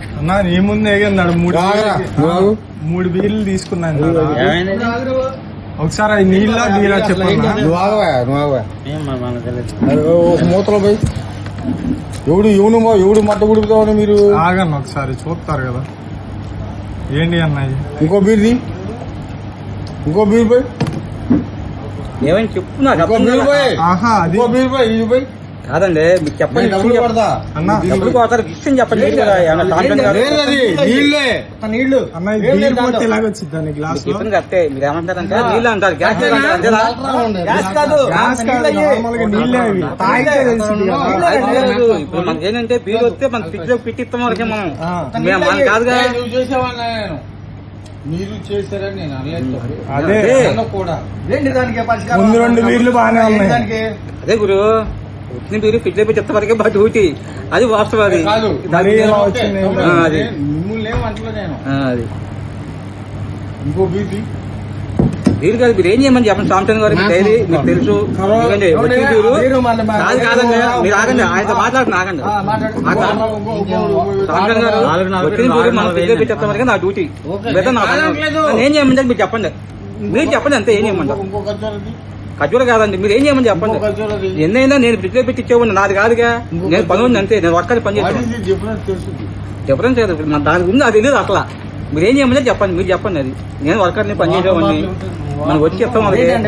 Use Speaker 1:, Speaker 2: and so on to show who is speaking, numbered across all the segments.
Speaker 1: అన్నా నీ ముందు ఏగన్నాడు మూడు బీర్లు తీసుకున్నాను. ఒకసారి అది నీళ్ళ బీరా చెప్పండి.
Speaker 2: మూతలో పోయి ఎవడు మట్ట గుడుపుతామని మీరు
Speaker 1: ఆగన్న ఒకసారి చూస్తారు కదా. ఏంటి అన్నది?
Speaker 2: ఇంకో బీర్ పోయి
Speaker 3: ఏమైనా చెప్తున్నా
Speaker 1: ఆహా అది
Speaker 2: బీర్ పోయి ఇది పోయి
Speaker 3: కాదండి మీకు చెప్పండి.
Speaker 2: డబ్బులు పడతా
Speaker 3: అన్న డబ్బులు పోతారు విషయం చెప్పండి.
Speaker 2: నీళ్ళే
Speaker 1: నీళ్లు అన్న బీర్ పోతే ఎలాగొచ్చింది దాన్ని గ్లాస్
Speaker 3: చెప్పింది కరెక్టే. మీరు ఏమంటారంటే నీళ్ళు అంటారు, గ్యాస్
Speaker 1: నార్మల్గా నీళ్ళే అవి తాగితే తెలిసింది కదా.
Speaker 3: ఇప్పుడు మనకి ఏంటంటే బీరు వస్తే మన ఫ్రిడ్జ్ లో పెట్టిస్తాం వరకే మనం మన కాదుగా.
Speaker 2: మీరు చేశారని నేను అనలేదు.
Speaker 1: అదే
Speaker 2: కూడా
Speaker 1: ముందు రెండు బీర్లు బాగానే ఉన్నాయి.
Speaker 3: అదే గురు వచ్చిన బీరు ఫ్రిడ్జ్ లో పెట్టిస్తా వరకే బాగా డ్యూటీ. అది వాస్తవం. అది
Speaker 2: కాదు
Speaker 3: అది
Speaker 2: మిమ్మల్ని ఏమంటలేదు నేను.
Speaker 3: అది
Speaker 2: ఇంకో బీర్
Speaker 3: బీరు కాదు. మీరు ఏం చేయమని చెప్పండి సాంసంగ్ గారికి డైరీ మీకు తెలుసు. కాదు కాదండి మీరు ఆగండి, ఆయనతో మాట్లాడుతున్నా ఆగండి. సాంసంగ్ గారు వచ్చిన బీరు మనం ఫ్రిడ్జ్ లో పెట్టేస్తా వరకే నా డ్యూటీ. ఏం చేయమని మీరు చెప్పండి. మీరు చెప్పండి అంతే. ఏం చేయమంటారు? ఖర్జూర కాదండి, మీరు ఏం చేయమని చెప్పండి. ఎన్నైనా నేను ఫ్రిడ్జ్ లో పెట్టి ఇచ్చేవాడిని, నాది కాదుగా. నేను పని ఉంది అంతే, నేను వర్క్ పని చేస్తాను. డిఫరెన్స్ లేదు దాని గురించి అది తెలియదు అసలు. మీరు ఏం చేయమని చెప్పండి. మీరు చెప్పండి. అది నేను వర్కర్ని పని చేసేవాడిని. మనకు వచ్చి చెప్తాం.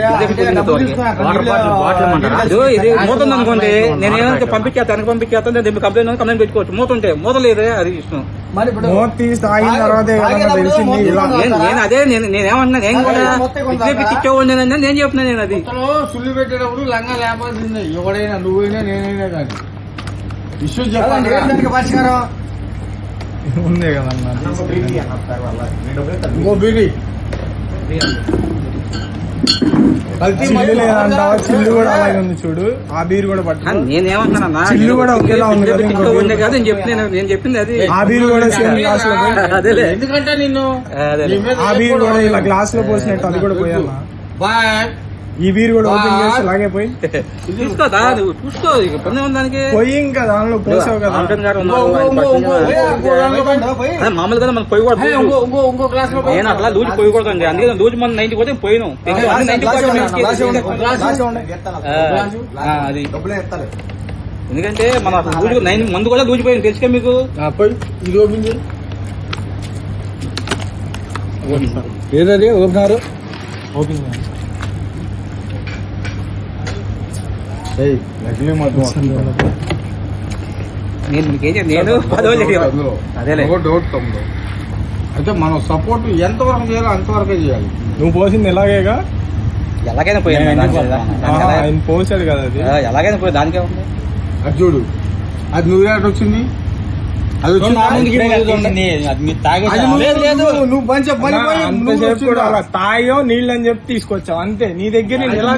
Speaker 3: ఇది మూత ఉంది అనుకోండి, నేను ఏమైనా పంపించేస్తాను పంపించేస్తాను. నేను కంప్లైంట్ పెట్టుకోవచ్చు. మూత ఉంటే మూత లేదే, అది ఇష్టం. నేను అదే నేనేమన్నా నేను కూడా ఇచ్చేవాడిని నేను చెప్తున్నా. నేను అది
Speaker 2: సుల్లి పెట్టేటప్పుడు లంగా లేపాల్సిందే. ఎవడైనా నువ్వైనా నేనైనా కానీ ఇష్యూ చెప్పండి. పరిష్కారం
Speaker 1: ఉందే కదన్నా.
Speaker 2: ఇంకో బీడి
Speaker 1: చిల్లు లేదంటావా? చిల్లు కూడా అలాగే ఉంది చూడు. ఆ బీర్ కూడా పట్టు.
Speaker 3: నేనేమంటున్నా
Speaker 1: చిల్లు కూడా ఒకేలా ఉంది కదా.
Speaker 3: నేను చెప్పింది అది.
Speaker 1: ఆ బీర్ కూడా సేమ్ గ్లాస్ లో
Speaker 3: అదేలే.
Speaker 2: ఎందుకంటే నిన్ను
Speaker 1: ఆ బీర్ కూడా ఇలా గ్లాస్ లో పోసినట్టు అది కూడా పోయాలా? ఈ బీర్ కూడా ఓపెన్ చేసి అలాగే పోయి
Speaker 3: చూసుకోదా చూసుకో. దానికి
Speaker 1: పోయి ఇంకా దానిలో పోసావు కదా.
Speaker 3: మామూలుగా మనం పోయకూడదు. నేను అట్లా లూజు పోయకూడదండి. అందుకే లూజు మనం 90 పోతే పోయినాం. అది ఎందుకంటే మన లూజు 9 మందు కూడా లూజు పోయింది తెలుసుగా మీకు.
Speaker 2: ఇది ఓపెన్ ఏదది ఓపెనారు
Speaker 1: ఓపెన్
Speaker 3: నేను అదేలే.
Speaker 2: అయితే మనం సపోర్ట్ ఎంతవరకు చేయాలో అంతవరకే చేయాలి.
Speaker 1: నువ్వు పోసింది ఎలాగేగా
Speaker 3: ఎలాగైనా పోయాను.
Speaker 1: ఆయన పోసాడు కదా. అది
Speaker 3: ఎలాగైనా పోయి దానికే ఉంది.
Speaker 2: అది చూడు, అది నువ్వు ఎక్కడ వచ్చింది? అది
Speaker 1: తాయో నీళ్ళు అని చెప్పి తీసుకొచ్చావు అంతే. నీ దగ్గర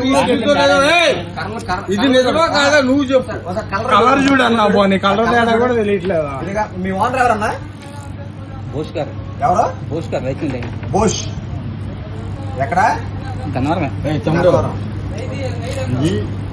Speaker 2: ఇది నిజమా కాదా నువ్వు చెప్పు.
Speaker 1: కలర్ చూడన్నా పోనీ, కలర్ తేడా కూడా తెలియట్లేదా?
Speaker 4: మీ ఓనర్ ఎవరన్నా?
Speaker 3: బోస్ గారు.
Speaker 4: ఎవరు?
Speaker 3: బోస్ గారు రైతు.
Speaker 4: బోష్ ఎక్కడ?
Speaker 3: గన్నవరమే.
Speaker 2: తమ్ముడు